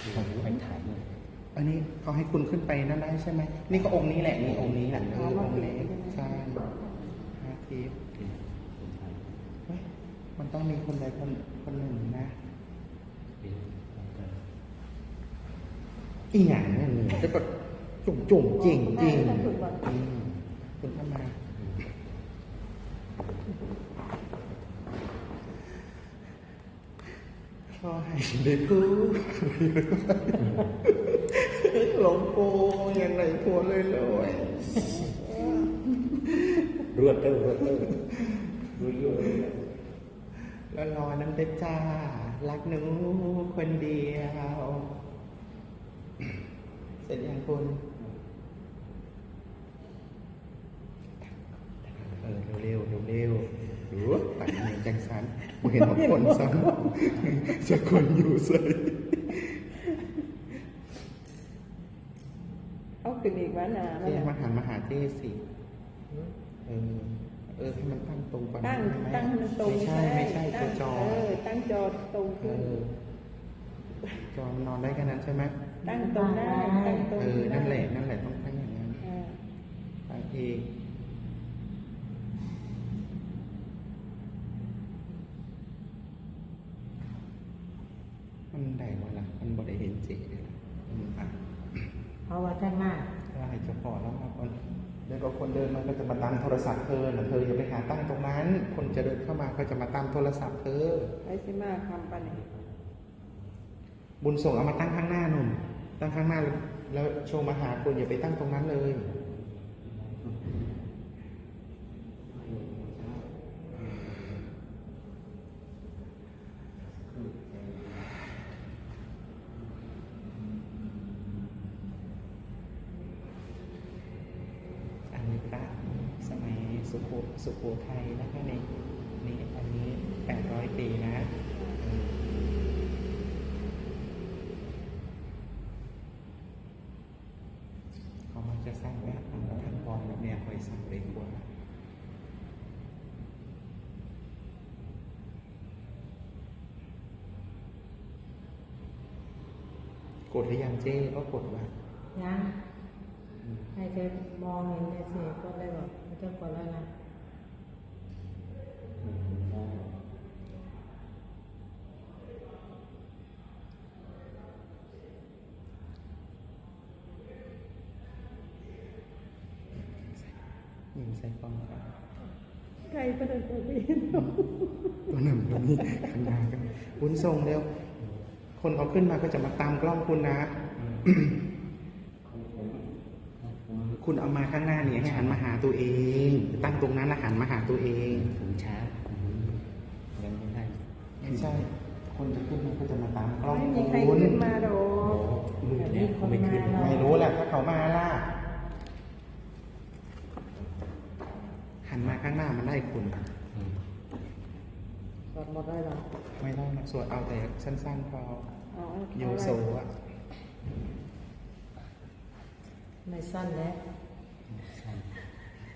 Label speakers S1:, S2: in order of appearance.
S1: ผมไปถ่ายเนี่ย
S2: อันนี้เขาให้คุณขึ้นไปนั่นได้ใช่ไหมนี่ก็องค์นี้แหละนี่องค์นี้แหละองค์เล็กใช่5 ทิศเฮ้ยมันต้องมีคนใดคนหนึ่งนะอีหยังนั่นนี่จะกดจุ่มจริงคุณเข้ามาขอให้ได้พูดหลวงปู่อย่างไรผัวเลย
S1: รวดเต้ารวด
S2: แล้วรอน้ำเตจ้ารักหนูคนเดียว เสร็จยังคุณเร็วดูตัดเงินจังสันเห็นว่าคนซ้ำจะคนอยู่ใส่
S3: เอาขึ้นอีกวะนา
S2: เจ๊มาหันมาหาเจ๊สิให้มันตั้งตรงก่อน
S3: ตั้งให้มันตรง
S2: ไม่ใช่ตัวจอ
S3: ตั้งจอตรงขึ้น
S2: จอมันนอนได้แค่นั้นใช่ไหม
S3: ตั้งตรงได้ตั้งตรง
S2: นั่นแหละต้องตั้งอย่างนั้นบางทีมันได้ว่าล่ะมันบ่ได้เห็นเจ๊เลยล่ะ
S4: เพราะว่าท่านมาก
S2: ได้จะพอแล้วครับเดี๋ยวก็คนเดินมันก็จะมาตั้งโทรศัพท์เธออย่าไปหาตั้งตรงนั้นคนจะเดินเข้ามาเขาจะมาตั้งโทรศัพท์เธอ
S3: ไปสิมาคำปันนี่
S2: บุญส่งเอามาตั้งข้างหน้าหนุ่มตั้งข้างหน้าแล้วโชว์มาหาคุณอย่าไปตั้งตรงนั้นเลยอันนี้พระสมัยสุโขทัยนะคะนี่อันนี้800 ปีนะเขามักจะสร้างแบบท่านพรแบบเนี้ยคอยสั่งเลยกว่ากดหรือยังเจ้ก็กดว่า
S4: ยังให้เธอมองเห็นในเสียก็ได้บอกไม่ต้องกดแล้วนะ
S2: ยิงใส่กล้องก่อน
S3: ใครประเดินตัวนี้
S2: ตัวหนึ่งตัวนี้ข้างหน้ากันคุณส่งเร็วคนเขาขึ้นมาก็จะมาตามกล้องคุณนะ คุณเอามาข้างหน้าเนี่ยให้หันมาหาตัวเองตั้งตรงนั้นแล้วหันมาหาตัวเอง
S1: ถึงช้ายังไม่ได้
S2: ไม่ใช่คนจะขึ้นมาก็จะมาตามกล้อง
S3: ไม่มีใคร
S2: คุณ
S3: ขึ้นมาโด
S1: มือเนี่ยเขาไม่ขึ้น
S2: ไม่รู้แหละถ้าเขามาล่ะหันมาข้างหน้ามันได้คุณ
S4: กดหมดได้หรอ
S2: ไม่ได้นะสวดเอาแต่สั้นๆพอโยโซอ่ะ
S4: ในสั้นแล้ว